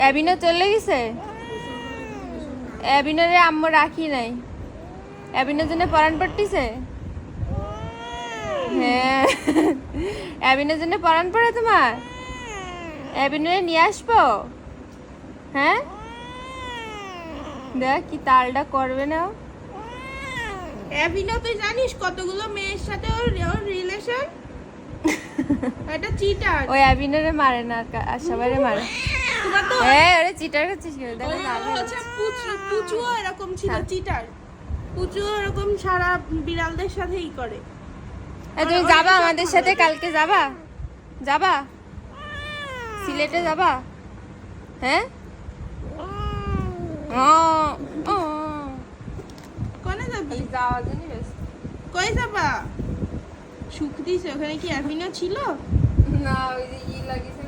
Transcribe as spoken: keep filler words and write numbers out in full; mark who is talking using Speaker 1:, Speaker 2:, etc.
Speaker 1: অ্যাবিনো চলে গেছে? অ্যাবিনোরে আম্মু রাখি নাই। অ্যাবিনোর জন্য পরান পড়তিছে? হ্যাঁ, অ্যাবিনোর জন্য পরান পড়ে তোমার? অ্যাবিনোরে নিয়ে আসবো? হ্যাঁ, দেখ কি তালটা করবে না।
Speaker 2: অ্যাবিনো তুই জানিস কতগুলো মেয়ের সাথে ওর রিলেশন? এটা চিটার।
Speaker 1: ওই অ্যাবিনোরে মারে না, আর সবাইরে মারে।
Speaker 2: তোমার তো
Speaker 1: হ্যাঁ, ওরে চিটার করছিস কেন? দেখো না,
Speaker 2: হচ্ছে পুচু পুচুও এরকম ছিল, চিটার। পুচুও এরকম সারা বিড়ালদের সাথেই করে।
Speaker 1: এই তুমি যাবা আমাদের সাথে? কালকে যাবা? যাবা সিলেটে যাবা? হ্যাঁ,
Speaker 2: কোনে যাবি?
Speaker 1: যাওয়ার জন্য ব্যস্ত।
Speaker 2: কই যাবা? সুখ দিছে ওখানে কি অ্যাবিনো ছিল?
Speaker 1: না, ওই যে ই লাগিয়েছে